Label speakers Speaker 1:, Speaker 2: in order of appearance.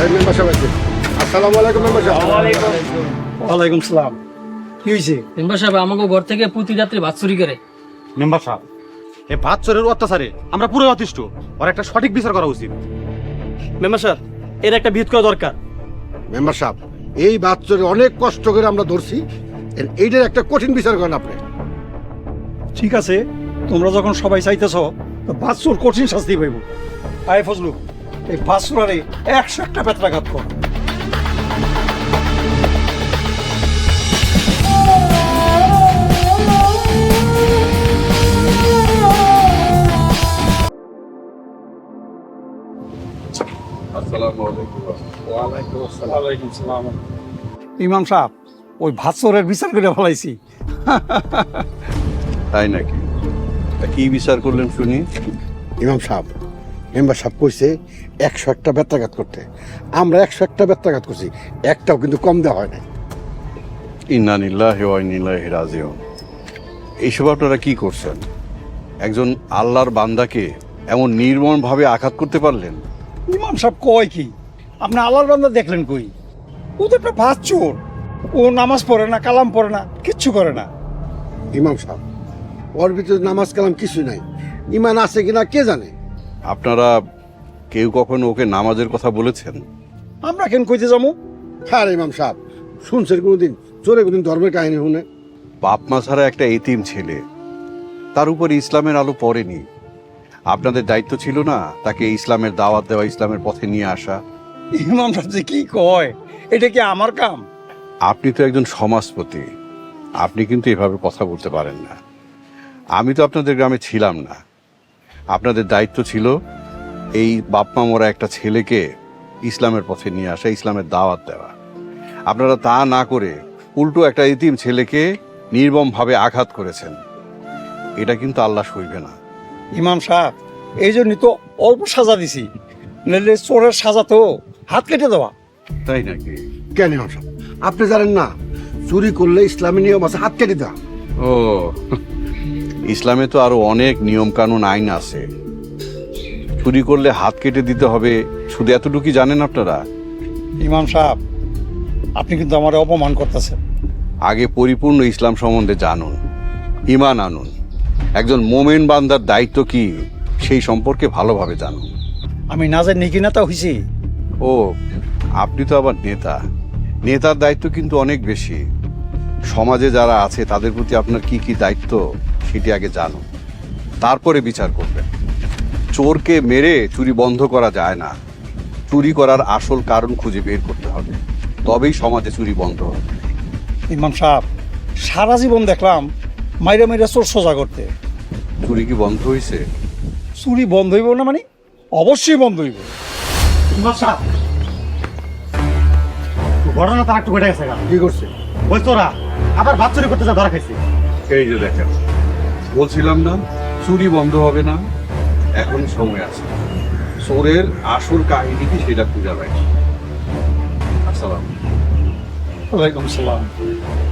Speaker 1: Member সাহেব আছে। আসসালামু আলাইকুম মেম্বার সাহেব।
Speaker 2: ওয়ালাইকুম সালাম। কি হয়েছে?
Speaker 3: মেম্বার সাহেব আমাকে ঘর থেকে প্রতি রাত্রে ভাত চুরি করে।
Speaker 4: মেম্বার সাহেব, এই ভাত চোরের অত্যাচারে আমরা পুরো অতিষ্ঠ। ওর একটা সঠিক বিচার করা উচিত।
Speaker 2: মেম্বার সাহেব, এর একটা বিহিত করা দরকার।
Speaker 1: মেম্বার সাহেব, এই বাচ্চারে অনেক কষ্ট করে আমরা ধরছি, এইটার একটা কঠিন বিচার করেন আপনি।
Speaker 2: ঠিক আছে, তোমরা যখন সবাই চাইতেছ তো বাচ্চুর কঠিন শাস্তি পাইব। আয় ফজলু, এই বাচ্চুরারে 101টা বেত্রাঘাত কর। ইমাম সাহেব, ওই ভাৎসরের বিচার করে ফেলাইছি।
Speaker 5: তাই নাকি? তা কি বিচার করলেন শুনি?
Speaker 1: ইমাম সাহেব, মেম্বার সাহেব কইছে 101টা বেত্রাঘাত করতে। আমরা 101টা বেত্রাঘাত করছি, একটাও কিন্তু কম দেওয়া হয় না।
Speaker 5: ইন্না লিল্লাহি ওয়া ইন্না ইলাইহি রাজিউন। এইসব আপনারা কি করছেন? একজন আল্লাহর বান্দাকে এমন নির্মমভাবে আঘাত করতে পারলেন?
Speaker 2: ইমাম সাহেব কয় কি? আপনি আল্লাহর বান্দা দেখলেন কই? ও তো একটা বাচ্চোর। ও নামাজ পড়ে না, কালাম পড়ে না, কিচ্ছু করে না।
Speaker 1: ইমাম সাহেব, ওর ভিতরে নামাজ কালাম কিছু নাই, ইমান আছে কিনা কে জানে।
Speaker 5: আপনারা কেউ কখনো ওকে নামাজের কথা বলেছেন?
Speaker 2: আমরা কেন কইতে যাবো?
Speaker 1: হ্যাঁ ইমাম সাহেব, শুনছেন কোনোদিন চোরে কোনদিন ধর্মের কাহিনী শুনে?
Speaker 5: বাপ মা ছাড়া একটা এতিম ছেলে, তার উপর ইসলামের আলো পড়েনি। আপনাদের দায়িত্ব ছিল না তাকে ইসলামের দাওয়াত দেওয়া, ইসলামের পথে নিয়ে আসা?
Speaker 2: ইমাম সাহেব যে কি কয়, এটা কি আমার কাম?
Speaker 5: আপনি তো একজন সমাজপতি, আপনি কিন্তু এভাবে কথা বলতে পারেন না। আমি তো আপনাদের গ্রামে ছিলাম না। আপনাদের দায়িত্ব ছিল এই বাপমা মরা একটা ছেলেকে ইসলামের পথে নিয়ে আসা, ইসলামের দাওয়াত দেওয়া। আপনারা তা না করে উল্টো একটা ইতিম ছেলেকে নির্মমভাবে আঘাত করেছেন। এটা কিন্তু আল্লাহ সইবে না।
Speaker 2: ইমাম সাহেব, এই জন্যই তো অল্প সাজা দিছি, নইলে চোরের সাজা তো হাত কেটে দেওয়া।
Speaker 5: তাই নাকি?
Speaker 1: কেন ইমাম সাহেব, আপনি জানেন না চুরি করলে ইসলামী নিয়ম আছে হাত কেটে দেওয়া?
Speaker 5: ও, ইসলামে তো আরো অনেক নিয়ম কানুন আইন আছে। চুরি করলে হাত কেটে দিতে হবে, শুধু এতটুকুই জানেন আপনারা?
Speaker 2: ইমাম সাহেব, আপনি কিন্তু আমার অপমান করতেছেন।
Speaker 5: আগে পরিপূর্ণ ইসলাম সম্বন্ধে জানুন, ঈমান আনুন। একজন মোমেন বান্দার দায়িত্ব কি সেই সম্পর্কে ভালোভাবে জানুন।
Speaker 2: আমি না জানি কি নেতা হইছি?
Speaker 5: ও, আপনি তো আবার নেতা। নেতার দায়িত্ব কিন্তু অনেক বেশি। সমাজে যারা আছে তাদের প্রতি আপনার কি কি দায়িত্ব সেটি আগে জানুন, তারপরে বিচার করবেন। চোরকে মেরে চুরি বন্ধ করা যায় না। চুরি করার আসল কারণ খুঁজে বের করতে হবে, তবেই সমাজে চুরি বন্ধ হবে।
Speaker 2: ইমাম সাহেব, সারা জীবন দেখলাম মাইরা মাইরা চোর সোজা করতে।
Speaker 5: চুরি কি বন্ধ হয়েছে?
Speaker 2: চুরি বন্ধ হইব না মানে? অবশ্যই বন্ধ হইব।
Speaker 4: মেম্বার সাহেব, ঘটনা তার একটু ঘটে গেছে।
Speaker 1: কি করছে?
Speaker 4: ওই চোরা আবার ভাত চুরি করতে যা ধরা খাইছে।
Speaker 5: এই যে দেখেন, বলছিলাম না চুরি বন্ধ হবে না? এখন সময় আছে। চোরের আসল কাহিনী কি সেটা খুঁজে পাই। আসসালাম।
Speaker 2: ওয়ালাইকুম সালাম।